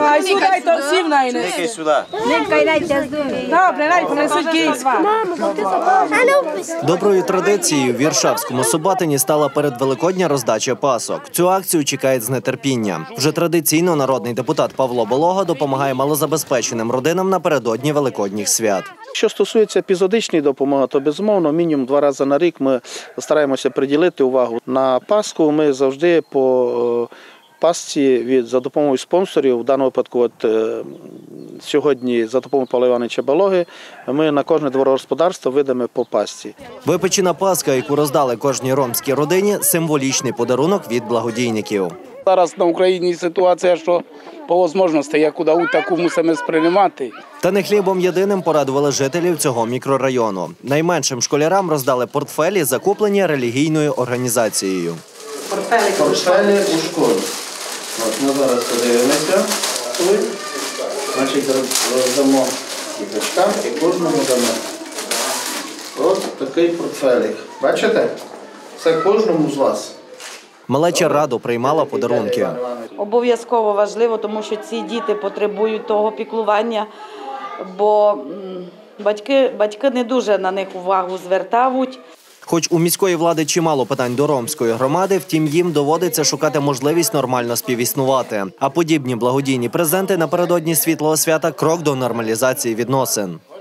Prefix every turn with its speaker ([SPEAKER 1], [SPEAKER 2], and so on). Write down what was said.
[SPEAKER 1] Ai, sudai to сивнајне.
[SPEAKER 2] Некај сюда.
[SPEAKER 1] Добре, најде понесуть гейства.
[SPEAKER 3] Доброю традицією в Віршавському Собатині стала передвеликодня роздача пасок. Цю акцію чекають з нетерпінням. Вже традиційно народний депутат Павло Болога допомагає малозабезпеченим родинам напередодні великодніх свят.
[SPEAKER 4] Що стосується епізодичної допомоги, то безумовно мінімум 2 рази на рік ми стараємося приділити увагу. На Пасху ми завжди по пасці за допомогою спонсорів, в даному випадку сьогодні за допомогою Павла Івановича Балоги, ми на кожне дворогосподарство видаємо по пасці.
[SPEAKER 3] Випечена паска, яку роздали кожній ромській родині – символічний подарунок від благодійників.
[SPEAKER 5] Зараз на Україні ситуація, що по можливості, яку таку мусимо сприймати.
[SPEAKER 3] Та не хлібом єдиним порадували жителів цього мікрорайону. Найменшим школярам роздали портфелі, закуплені релігійною організацією.
[SPEAKER 4] Портфелі у школі. Ми зараз подивимося. Значить, роздамо діточкам і кожному дамо. Ось такий портфелік. Бачите? Це кожному з вас.
[SPEAKER 3] Малеча радо приймала подарунки.
[SPEAKER 6] Обов'язково важливо, тому що ці діти потребують того піклування, бо батьки не дуже на них увагу звертають.
[SPEAKER 3] Хоч у міської влади чимало питань до ромської громади, втім їм доводиться шукати можливість нормально співіснувати. А подібні благодійні презенти напередодні світлого свята – крок до нормалізації відносин.